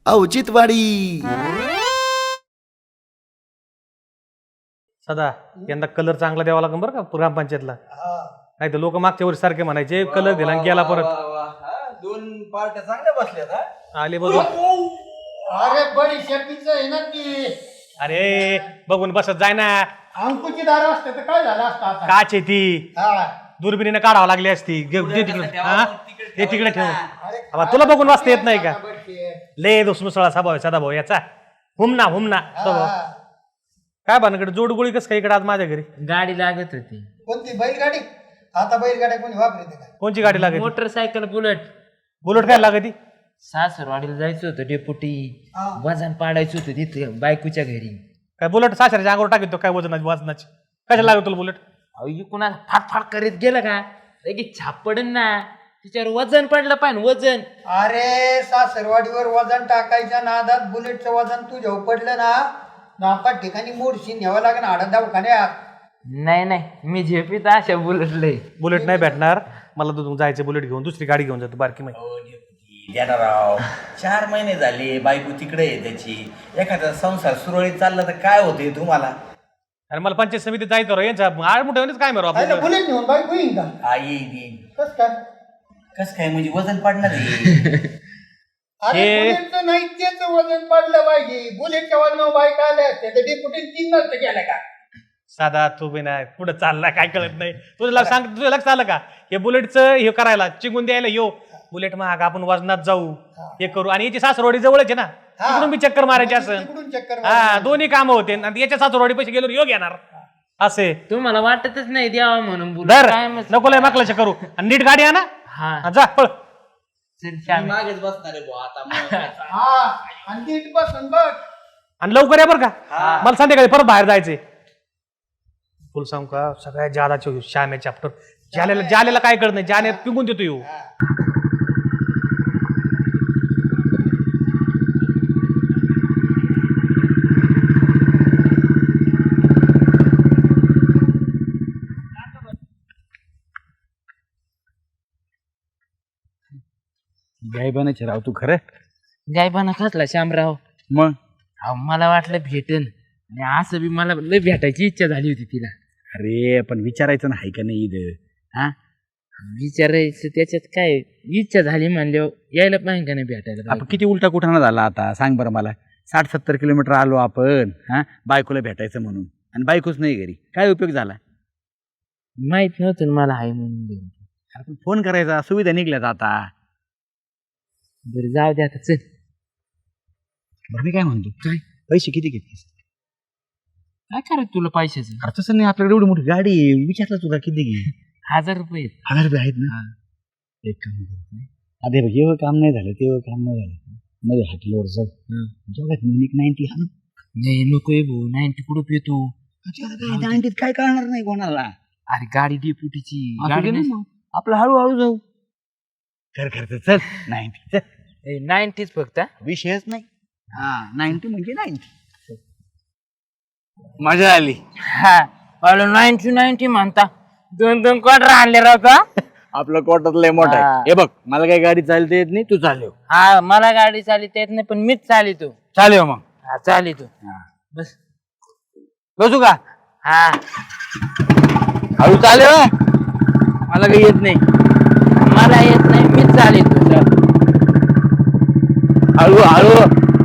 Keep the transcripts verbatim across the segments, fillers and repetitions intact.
औचित्यवाडी. सदा यंदा कलर चांगला द्यावा लागेल बरं का ग्रामपंचायतला. नाही तर लोक मागच्या वर्षी सारखे म्हणायचे कलर दिला आणि गेला परत. दोन पार्ट्या चांगल्या बसल्यात आले बघू. अरे बडी शेपीच आहे ना ती. अरे बघून बसत जाय ना. अंकुची दार असते तर काय झालं असतं आता. काच आहे ती, दुर्बिणीने काढावं लागली असती. दे तिकडे, हा ते तिकडे ठेव. तुला बघून वाचता येत नाही का? ले दोस मुसळा स्वभाव आहे सदा भाऊ याचा. हुमना हुमना स्वभाव. काय भानकडे जोडगोळी कस काय इकडे आज माझ्या घरी? गाडी लागत होती. कोणती बैलगाडी? आता बैलगाड्या कोणी वापरते का? कोणची गाडी लागत? Motorcycle bullet. बुलेट काय लागत? सासरवाडीला जायचं होतं डेपुटी. वजन पाडायचं होतं तिथे बायकोच्या घरी. काय बुलेट सासऱ्याच्या अंगावर टाकतो काय वजनाची वजनाची? कशाला लागत तुला बुलेट? अहो कुणा फाट फाट करीत गेलं का लगेच छाप पडन ना. तिच्यावर वजन पडलं पाहिजे वजन. अरे सासरवाडीवर वजन टाकायच्या नादात बुलेटचं वजन तुझ्या पडलं ना, नाका ठिकाणी मोडशी न्यावं लागेल आडा दवाखान्यात. नाही नाही मी झेपीत अशा बुलेटले. बुलेट नाही भेटणार मला. तू जायचं बुलेट घेऊन दुसरी गाडी घेऊन जातो बारकी माहिती. राव चार महिने झाले बायको तिकडे आहे त्याची. एखादा संसार सुरळीत चालला तर काय होते तुम्हाला? अरे मला पंचायत समितीत जायचं रो यांच्या आड मोठ्यानेच काय मारू आपण. बुलेट घेऊन बाईक होईन का? आई देईन. कस काय? कस काय म्हणजे वजन पडणार आहे? अरे बुलेटचं नाही त्याच वजन पडलं पाहिजे. बुलेटच्या वजनावर बाईक आले असते तर डेपुटी तीन नसतं गेलं का? साधा तू बी नाही पुढे चालला काय कळत नाही. तुझं सांग तुझं लक्ष आलं का? हे बुलेटचं हे करायला चिंगून द्यायला यो बुलेट महाग आपण वजनात जाऊ हे करू. आणि याची सासरवाडी जवळच आहे ना, तिकडून बी चक्कर मारायची असं. चक्कर हा दोन्ही कामं होते. आणि याच्या सासरवाडी पैसे गेलो योग येणार असे. तुम्हाला वाटतच नाही द्यावा म्हणून धर बुलेट. काय मग नको लय माकलाच्या करू. आणि नीट गाडी आणा. हा जा पळ. मागेच बसणार आहे बुवा आता. हा आणि नीट बसन बघ. आणि लवकर या बरं का, मला संध्याकाळी परत बाहेर जायचंय. फुल सांगू का सगळ्यात जादाचे श्याम्या चॅप्टर. जालेला जालेला काय कळत नाही. जाने पिंगून देतो येऊ. गायबानाचे राव तू खरं. गायबाना खसला श्यामराव. मग अहो मला वाटलं भेटन आणि असं बी मला लय भेटायची इच्छा झाली होती तिला. अरे पण विचारायचं नाही का नाही इथं? हा विचारायचं त्याच्यात काय इच्छा झाली म्हणल्यावर यायला पाहिजे का नाही भेटायला? आपण किती उलटा कुठाना झाला आता सांग बरं मला. साठ सत्तर किलोमीटर आलो आपण हा बायकोला भेटायचं म्हणून, आणि बायकोच नाही घरी. काय उपयोग झाला? माहित नव्हतं मला आहे म्हणून. आपण फोन करायचा, सुविधा निघल्यात आता. बरं जाऊ दे आता चल. बरं मी काय म्हणतो, काय पैसे किती घेतलीस? काय करायचं तुला पैशाचं? अरे तसं नाही, आपल्याकडे एवढी मोठी गाडी आहे. विचारलं तुला किती घे? हजार रुपये. हजार रुपये आहेत ना? एक काम करतो, अरे बघ हे काम नाही झालं ते काम नाही झालं मध्ये हॉटेलवर जाऊ. दोघात एक नाईन्टी हा. नाही नको भाऊ, नाईन्टी कुठं पितो? नाईन्टीत काय करणार नाही कोणाला. अरे गाडी डेपुटीची गाडी. आपलं हळूहळू जाऊ. कर करतो चल. नाईन्टी नाईन्टीच फक्त. विषयच नाही. हा नाईन्टी म्हणजे नाईन्टी. मजा आली. हा नाईन्टी नाईन्टी म्हणता. दोन दोन क्वार्टर आणले राहता. आपलं कोटात लय मोठा आहे. हे बघ मला काही गाडी चालता येत नाही, तू चालव. हा मला गाडी चालित येत नाही पण मीच चालितो. चालव मग. हा चालितो. बस बसू का? हा हळू चालव. मला काही येत नाही. मला येत नाही मीच चालितो. हळू हळू.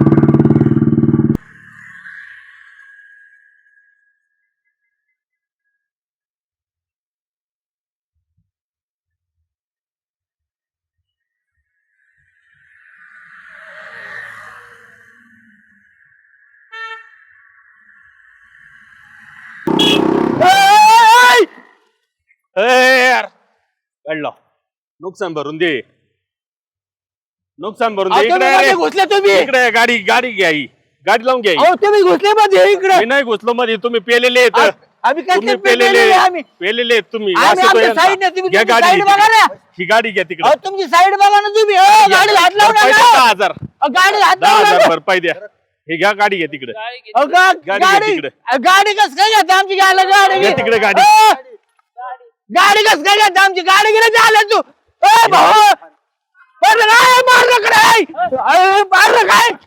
कळलं. नुकसान भरून दे. नुकसान भरून दे. इकडे घुसले तुम्ही. इकडे गाडी गाडी घ्या ही. गाडी लावून घ्या. अहो तुम्ही घुसले मध्ये इकडे. मी नाही घुसलो मध्ये. तुम्ही पेलेले आहेत. आम्ही काय तुम्ही पेलेले पेलेले आम्ही. पेलेले आहेत तुम्ही. आम्ही असं तो आमच्या यांचा. साईडने, तुम्ही घ्या तुमची गाडी साईड बघा ना. ही गाडी घ्या तिकडे. अहो तुमची साईड बघा ना तुम्ही. अहो, गाडीला हात लावू पैसे नका. दहा हजार अहो, गाडीला हात दहा लावू हजार नका. भरपाई द्या. हे घ्या गाडी घ्या तिकडे. अहो, गा- गाडी घ्या गाडी तिकडे. गाडी कस काय घेता आमची गाडी? गाडी घ्या तिकडे गाडी. अहो, गाडी कस काय घेता आमची? गाडी गेली झालं तू. ए भाऊ मारलं काय? मारलं काय? अरे, मारलं काय?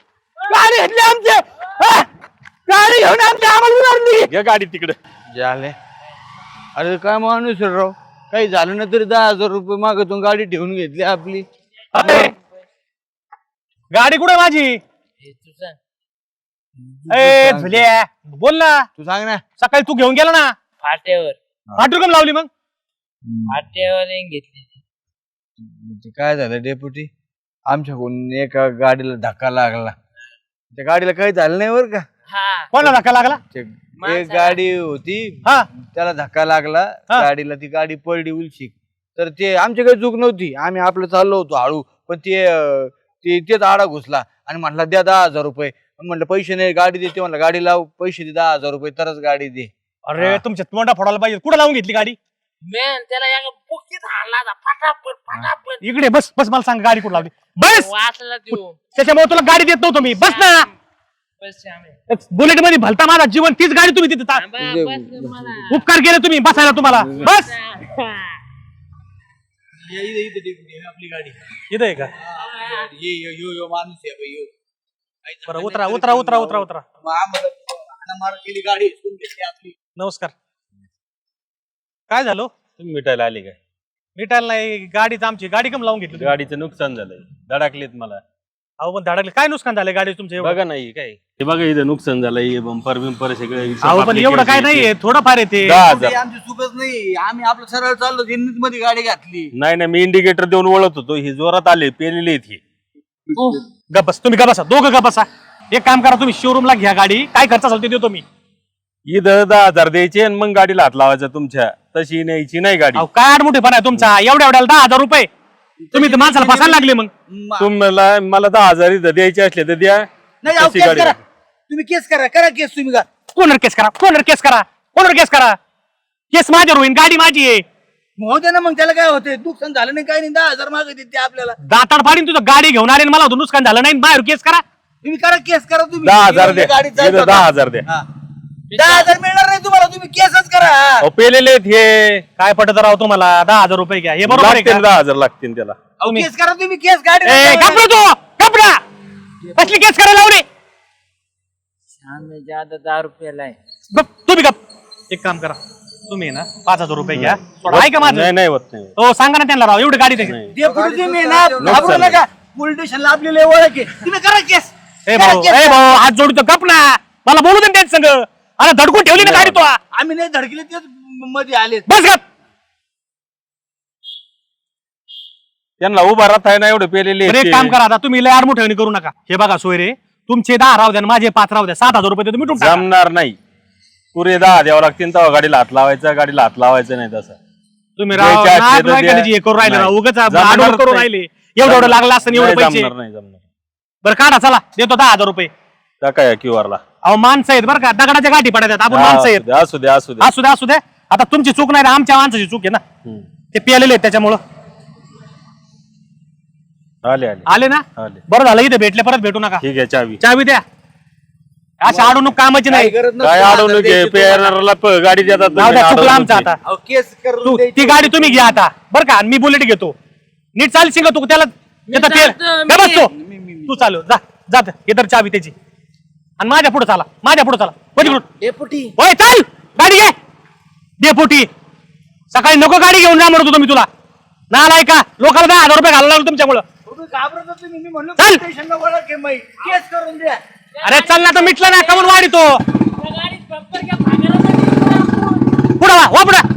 गाडी घेतली आमची हा? गाडी घेऊन आमची आम्हाला मारली. घ्या गाडी तिकडे. झाले अरे काय माणूस आहे राव, काही झालं ना तरी दहा हजार रुपये मागतून गाडी ठेवून घेतली आपली. अरे, गाडी कुठे माझी? हे तुझं ए झुल्या बोल ना. तू सांग ना. सकाळी तू घेऊन गेला ना, फाट्यावर आठ रक्कम लावली मग. फाट्यावर येऊन घेतली. म्हणजे काय झालं डेपुटी, आमच्याकडून एका गाडीला धक्का लागला. त्या गाडीला काही झालं नाही बरं का. हा कोणाला धक्का लागला? ते एक गाडी होती हा त्याला धक्का लागला हा. गाडीला, ती गाडी पडली उलशी. तर ते आमची काही चूक नव्हती, आम्ही आपलं चाललो होतो हळू, पण ते अं, ते तेच आडा घुसला आणि म्हटला द्या दहा हजार रुपये. म्हणलं पैसे नाही, गाडी देते म्हणलं, गाडी लाव, पैसे दे दहा हजार रुपये तरच गाडी दे. अरे तुमच्या तोंडा फोडायला पाहिजे. कुठे लावून घेतली गाडी? मॅन त्याला एका बुकीत हाणला होता. फटाफट फटाफट इकडे बस बस, मला सांग गाडी कुठे लावली. बस, वाचला देऊ. त्याच्यामुळे तुला गाडी देत नव्हतो मी. बस ना, बस श्यामे. बुलेट मध्ये भलता माझा जीवन, तीच गाडी तुम्ही तिथे ता- थांबा, बस मला. उपकार केले तुम्ही बसायला तुम्हाला. बस आपली गाडी इथे आहे का? ये यो यो यो माणूस आहे बाई, यो. बरं उतरा उतरा उतरा उतरा उतरा. मग आम्हाला हाणामार केली, गाडी हिसकून घेतली आपली. नमस्कार. काय झालं? तुम्ही मिटायला आले काय? मिटायला नाही, गाडीच आमची. गाडी कम लावून घेतली तुम्ही? गाडीचं नुकसान झालंय, धडकलेत मला. अहो पण धडकले. काय नुकसान झालं गाडी तुमचं एवढं? बघा नाही काय हे बघा, इथं नुकसान झालंय, बंपर बिंपर सगळे. अहो पण एवढं काय नाहीये, थोडंफार येते. दहा ते हजार. आमची चुकच नाही, आम्ही आपलं सरळ चाललो, त्यांनीच मध्ये गाडी घातली. नाही नाही, मी इंडिकेटर देऊन ओळखत होतो, ही जोरात आले, पेलेली आहेत ही. गप्पस तुम्ही गप्पसा, दोघं गप्पसा. एक काम करा, तुम्ही शोरूमला घ्या गाडी, काय खर्च असेल ते देतो मी. इथं दहा हजार द्यायचे आणि मग गाडीला हात लावायचा तुमच्या. तशी न्यायची नाही गाडी. अहो काय आडमुठेपणा आहे तुमचा, एवढ्या एवढ्याला दहा हजार रुपये. तुम्ही तर माणसाला फसायला लागले मग. म- तुम्हाला मला दहा हजार इथं द्यायचे असले तर द्या. नाही अहो, तशी केस गाडी करा, घ्या. तुम्ही केस करा, करा केस तुम्ही का. कोणर केस करा, कोणर केस करा, कोणर केस करा. केस माझ्यावर होईन, गाडी माझी आहे. होऊ दे ना मग, त्याला काय होते, नुकसान झालं नाही काही नाही, दहा हजार मागे देते आपल्याला. दाताड फाडीन तुझं. गाडी घेऊन आले आणि मला होतं नुकसान झालं नाही, बाहेर केस करा. तुम्ही करा केस करा तुम्ही. दहा हजार गाडीत द्या, जायचं इथं होतं. दहा हजार द्या. हा. दहा हजार मिळणार नाही तुम्हाला, तुम्ही केसच करा. अहो, पेलेले आहेत हे. काय पटत राव तुम्हाला? दहा हजार रुपये घ्या, हे बरोबर आहे लागतील का? दहा हजार लागतील त्याला. अहो, केस करा तुम्ही, केस गाडी ए, कपडा तो कपडा कसली केस करायला लावली? श्यामे ज्यादा दहा रुपयाला आहे. गप, तुम्ही गप. एक काम करा, तुम्ही ना पाच हजार रुपये घ्या. सोडा, ऐका नाही माझं. नाही होत नाही. हो सांगा ना त्यांना राव, एवढी गाडी द्या. नाही. डेपुटी तुम्ही ना घाबरू नका, पोलीस स्टेशनला आपली लय ओळख आहे, तुम्ही करा केस. ए करा भाऊ, केस. ए भाऊ, हात जोडतो गप ना. मला बोलू दे ना त्यांच्या संग. अरे धडकून ठेवली ना गाडी तो. आम्ही नाही धडकले, तेच मध्ये आले. बस गप. त्यांना उभा राहता आहे ना, एवढे पेलेले बरं, आहेत एक ते. काम करा आता, तुम्ही लय आडमुठेवणी करू नका. हे बघा सोयरे, तुमचे दहा राहू द्या आणि माझे पाच राहू द्या. सात हजार रुपये देतो, मिटून टाका. जमणार नाही. पुरे दहा द्यावं लागतील तेव्हा गाडीला हात लावायचा, गाडीला हात लावायचं नाही तसं. तुम्ही राव द्यायचे असले नाद तर नाही द्या. करायची, हे करू राहिले राव. नाही. उगाच जमणार आडवड करू नाही. राहिले. एवढं एवढं लागलं असतं आणि एवढे नाही, पैसे. जमणार नाही जमणार. बरं काढा, चला देतो दहा हजार रुपये. टाका या क्यू आर ला. अहो माणसं आहेत बरं का, दगडाच्या गाठी पडतात. आपण माणसं आहेत. असू द्या असू द्या. असू द्या असू द्या. आता तुमची चूक नाही ना, आमच्या माणसाची चूक आहे ना. हम्म. ते पियालेले आहेत त्याच्यामुळं. आले आले आले ना, आले. बरं झालं. इथे भेटले, परत भेटू नका. ठीक आहे, चावी. चावी द्या. अशा अडवणूक कामाची नाही. काही गरज नसते काय दहा अडवणूक हजार आहे? द्यायची पेरणाऱ्याला प- गाडी देतात जाऊ तुम्ही, द्या, चुकलं अडवणूक आमचं आहे. आता. अहो, केस करून तू द्यायची. ती गाडी तुम्ही घ्या आता बरं का, आणि मी बुलेट घेतो. नीट चालशील का तू? त्याला येतं तेल. जातो, जा बस मी- तू. तू चालू जा जात हे तर चावी त्याची. आणि माझ्या पुढे चाला, माझ्या पुढे चला. पलीकडून. डेपुटी होय चाल, गाडी घे. डेपुटी सकाळी नको गाडी घेऊन जा म्हणतो तुम्ही. तुला नालाय का? लोकांना दहा हजार रुपये घालायला लागलो तुमच्यामुळं. तुम्ही घाबरत होते, मी म्हणलो चल. पोलीस स्टेशनला ओळख आहे माई, केस करून द्या. अरे चल ना, तर मिटलं ना, कमून वाढी तो. त्या गाडीत बंपर घ्या, भागायला पाहिजे. पुढं वा वा पुढं.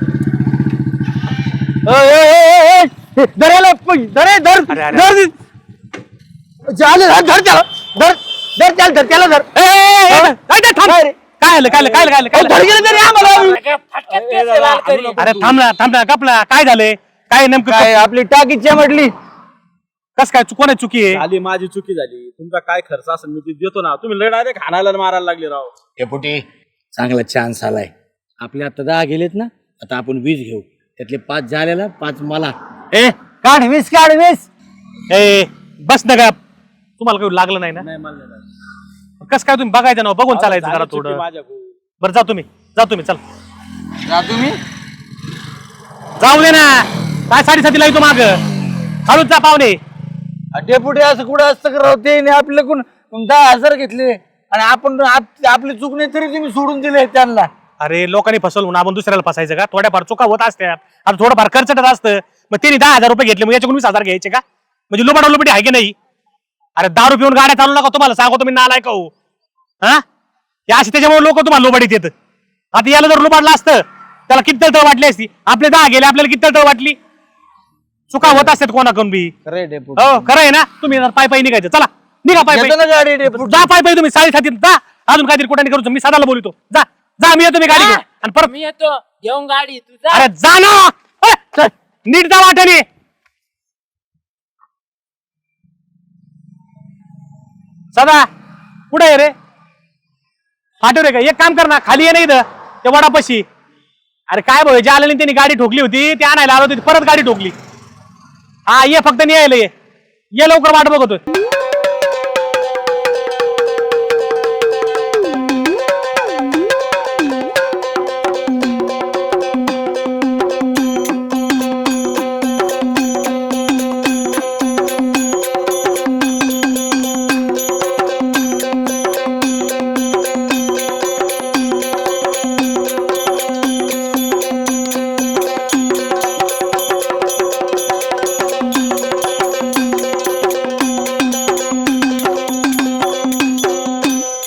धरायला धरे धर अरे, अरे. धर झाले धर धर त्याला धर धर त्याला धर त्याला धर ए, ए, ए, ए, ए, थांब. काय आलं काय आलं काय आलं, काय आलं, काय धर आलं? गेलं तरी आम्हाला. सगळ्या फटक्यात केस लाल करीन. अरे थांब ना थांब ना, कपला काय झालंय? काय नेमकं काय आपली टाकीच्या म्हटली. कस काय कोण चुकी आहे? झाली माझी चुकी झाली. तुमचा काय खर्च असेल मी ते देतो ना. तुम्ही लय डायरेक्ट खानायला मारायला लागले राव. डेपुटी चांगला चान्स आलाय. आपले आता दहा गेलेत ना, आता आपण वीस घेऊ. त्यातले पाच झालेला, पाच मला. ए काढ वीस काढ वीस. ए बस ना का, तुम्हाला काही लागलं नाही ना? नाही मला नाही लागलं. कस काय तुम्ही बघायचं ना, बघून चालायचं झाली जरा चुकी थोडं. माझ्याकडून. बरं जा तुम्ही, जा तुम्ही, चल जा तुम्ही. जाऊ दे ना. काय साडेसातीला येतो माग, खालून जा पाहुणे. डेपुटी असं कुठं असतं का राव? ते नाही आपल्याकडून मग दहा हजार घेतले आणि आपण आप- आपली चूक नाही तरी तुम्ही सोडून दिले त्यांना. अरे लोकांनी फसवलं म्हणून आपण दुसऱ्याला फसायचं का? थोड्याफार चुका होत असतात, आता थोडंफार खर्चटत असतं. मग त्यांनी दहा हजार रुपये घेतले, मग याच्याकडून वीस हजार घ्यायचे का? म्हणजे लुबाडा लुबडी आहे की नाही? अरे दारू पिऊन गाड्या चालू नका, तुम्हाला सांगतो मी नालायक हो. हा या अशी त्याच्यामुळे लोक तुम्हाला लुबाडीत येत. आता याला जर लुबाडलं असतं त्याला किती तळतळ वाटली असती. आपले दहा गेले, आपल्याला किती तळतळ वाटली. चुका होत असतात कोणाकडून बी. खरंय डेपुटी. हो खरं आहे ना. तुम्ही पाय पायी निघायचं, चला निघा पाय येतो ना पायी. गाडी डेपुटी. जा पाय पायी तुम्ही साडी खाती जा. अजून काहीतरी कुठे करू, मी सदाला बोलतो. जा जा मी येतो, मी गाडी घेऊन. आणि परत मी येतो घेऊन गाडी तुझा. अरे जा ना. अरे, चल, नीट जा वाटेने. सदा कुठे आहे रे? फाटव रे का? एक काम कर ना, खाली ये ना इथं ते वडापाशी. अरे काय भाऊ, ज्या आल्याने त्यांनी गाडी ठोकली होती ते आणायला आलो होती, परत गाडी ठोकली. हा ये, फक्त नाही यायला ये, ये लवकर वाट बघतोय.